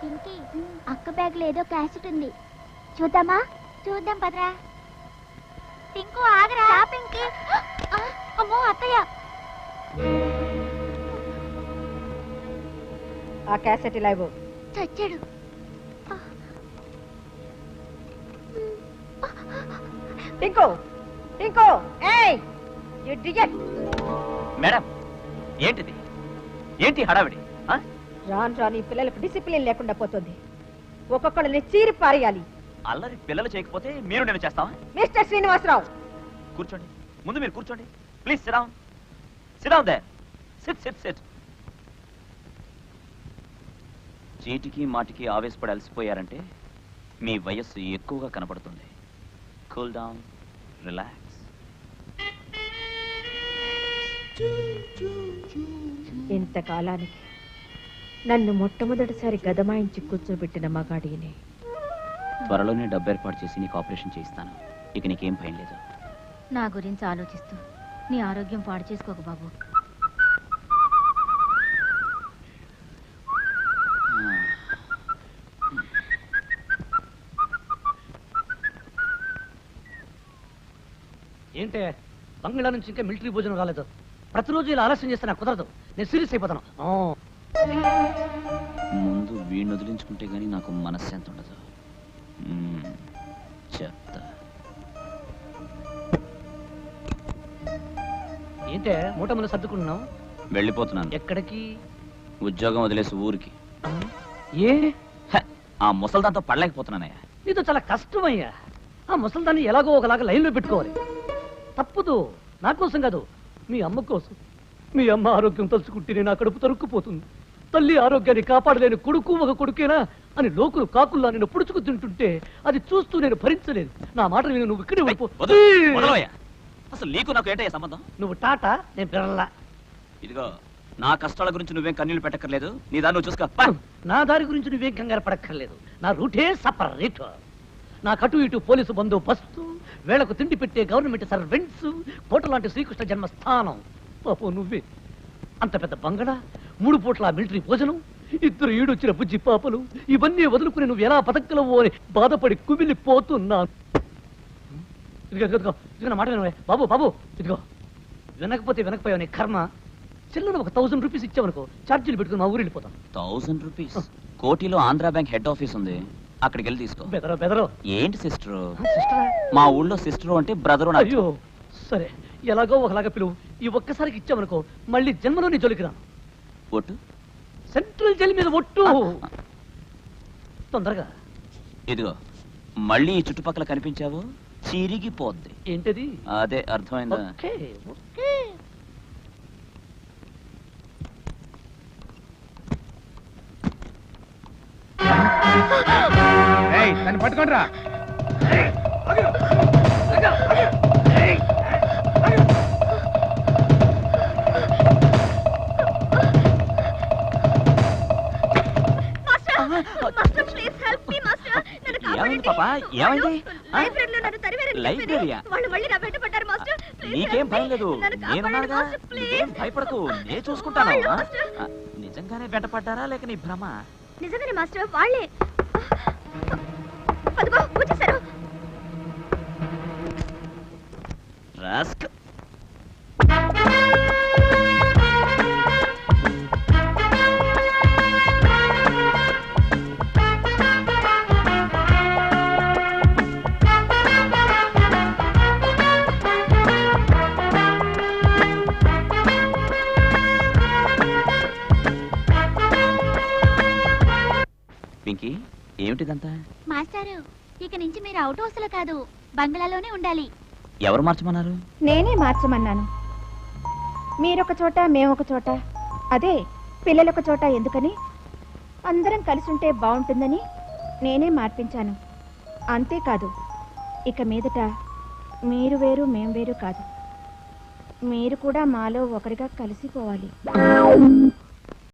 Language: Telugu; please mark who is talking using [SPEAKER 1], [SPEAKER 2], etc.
[SPEAKER 1] పింకీ అక్క బ్యాగ్ లో ఏదో క్యాసెట్ ఉంది, చూద్దామా? చూద్దాం పదరా. టింకు ఆగరా. పింకీ. అమ్మో అత్తయ్య.
[SPEAKER 2] ఆ క్యాసెట్ ఇలా ఇవ్వు.
[SPEAKER 1] చచ్చాడు.
[SPEAKER 2] టింకు టింకు ఏయ్ యు డిజెట్.
[SPEAKER 3] మేడం ఏంటిది? ఏంటి హడావిడి?
[SPEAKER 2] రాను ఈ పిల్లలకు డిసిప్లిన్ లేకుండా పోతుంది. ఒక్కొక్కళ్ళని చీరి పారేయాలి.
[SPEAKER 3] అల్లరి పిల్లలు చేయకపోతే మీరు నేను చేస్తావా?
[SPEAKER 2] మిస్టర్ శ్రీనివాసరావు
[SPEAKER 3] కూర్చోండి, ముందు మీరు కూర్చోండి. Please sit down. Sit down there. Sit sit sit. చీటికి మాటికి ఆవేశపడి అలసిపోయారంటే మీ వయస్సు ఎక్కువగా కనపడుతుంది. Cool down, relax.
[SPEAKER 2] ఇంతకాలానికి నన్ను మొట్టమొదటిసారి గదమాయించి కూర్చోబెట్టిన మగాడిని.
[SPEAKER 3] త్వరలోనే డబ్బు ఏర్పాటు చేసి నీకు ఆపరేషన్ చేయిస్తాను. ఇక నీకేం భయం లేదు.
[SPEAKER 1] నా గురించి ఆలోచిస్తూ నీ ఆరోగ్యం పాడు చేసుకోకు బాబు.
[SPEAKER 4] ఏంటే బంగ్లా నుంచి ఇంకా మిలిటరీ భోజనం రాలేదు? ప్రతిరోజు ఇలా ఆలస్యం చేస్తే నాకు కుదరదు. నేను సీరియస్ అయిపోతాను.
[SPEAKER 3] ముందు వీడిని వదిలించుకుంటే గానీ నాకు మనశ్శాంతి ఉండదు. చెప్తా.
[SPEAKER 4] ఏంటే మూటములు సర్దుకుంటున్నావు?
[SPEAKER 3] వెళ్ళిపోతున్నాను.
[SPEAKER 4] ఎక్కడికి?
[SPEAKER 3] ఉద్యోగం వదిలేసి ఊరికి.
[SPEAKER 4] ఏ?
[SPEAKER 3] ఆ ముసల్దాంతో పడలేకపోతున్నానయ్యా.
[SPEAKER 4] నీతో చాలా కష్టమయ్యా. ఆ ముసల్దాన్ని ఎలాగో ఒకలాగా లైన్లో పెట్టుకోవాలి. తప్పదు. నా కోసం కాదు, మీ అమ్మ కోసం. మీ అమ్మ ఆరోగ్యం తలుచుకుంటేనే నా కడుపు తరుక్కుపోతుంది. తల్లి ఆరోగ్యాన్ని కాపాడలేని కొడుకు ఒక కొడుకేనా అని లోకులు కాకుల్లా నేను పుడుచుకు తింటుంటే అది చూస్తూ నేను భరించలేదు. నా మాటలు విని నువ్వు ఇక్కడే
[SPEAKER 3] అసలు నీకు నాకు ఏంటయ్యా సంబంధం?
[SPEAKER 4] నువ్వు టాటా, నేను పిల్లలా.
[SPEAKER 3] ఇదిగో నా కష్టాల గురించి నువ్వేం కన్నీళ్లు పెట్టక్కర్లేదు. నీ దాన్ని నువ్వు చూసుకో.
[SPEAKER 4] నా దారి గురించి నువ్వేం కంగారు పడక్కర్లేదు. నా రూటే సపరేట్. నా కటు ఇటు పోలీసు బందోబస్తు, వేళకు తిండి పెట్టే గవర్నమెంట్ సర్వెంట్స్, కోట లాంటి శ్రీకృష్ణ జన్మస్థానం. పాపం నువ్వే అంత పెద్ద బంగళ, 3 పూట్ల మిలిటరీ భోజనం, 2 ఈడొచ్చిన బుజ్జి పాపలు, ఇవన్నీ వదులుకుని నువ్వు ఎలా బతకలవో అని బాధపడి కుమిలిపోతున్నాను. ఇదిగో నా మాట వినవే బాబు. బాబు ఇదిగో, వినకపోతే వినకపోయావు, నీ కర్మ. చిల్లర ఒక 1000 రూపీస్ ఇచ్చావనుకో, ఛార్జీలు పెట్టుకుని మా ఊరు వెళ్ళిపోతాం.
[SPEAKER 3] 1000 రూపీస్? కోటిలో ఆంధ్రా బ్యాంక్ హెడ్ ఆఫీస్ ఉంది, అక్కడికి వెళ్ళి తీసుకో.
[SPEAKER 4] బెదరో
[SPEAKER 3] ఏంటి సిస్టరు?
[SPEAKER 4] సిస్టరా?
[SPEAKER 3] మా ఊళ్ళో సిస్టరు అంటే బ్రదరు.
[SPEAKER 4] అయ్యో సరే, ఎలాగో ఒకలాగా పిలువు. ఈ ఒక్కసారికి ఇచ్చామనుకో మళ్ళీ జన్మలో నీ జోలికి రాను.
[SPEAKER 3] ఒట్టు?
[SPEAKER 4] సెంట్రల్ జైలు మీద ఒట్టు. తొందరగా.
[SPEAKER 3] ఇదిగో మళ్ళీ ఈ చుట్టుపక్కల కనిపించావు చిరిగిపోద్ది.
[SPEAKER 4] ఏంటది?
[SPEAKER 3] అదే అర్థమైందా?
[SPEAKER 5] దాన్ని పట్టుకోండిరా.
[SPEAKER 3] ఏమైంది పాపా? ఏమైంది? లైబ్రరీయా? నీకేం భయం లేదు, నేనున్నానుగా. నీకేం భయపడకు, నేను చూసుకుంటాను. నిజంగానే వెంటపడ్డారా లేక నీ భ్రమ?
[SPEAKER 1] నిజంగానే మాస్టర్, వాళ్ళే. అదిగో వచ్చేసారు.
[SPEAKER 3] రాస్క్. పింకీ, ఏమిటిదంతా?
[SPEAKER 1] మాస్టారు, ఇక నుంచి మీరు అవుట్ హౌస్ లో కాదు, బంగ్లాలోనే ఉండాలి.
[SPEAKER 3] ఎవరు మార్చమన్నారు?
[SPEAKER 2] నేనే మార్చమన్నాను. మీరొక చోట, మేమొక చోట, అదే పిల్లలొక చోట ఎందుకని, అందరం కలిసి ఉంటే బాగుంటుందని నేనే మార్పించాను. అంతేకాదు, ఇక మీదట మీరు వేరు మేం వేరు కాదు, మీరు కూడా మాలో ఒకరిగా కలిసిపోవాలి.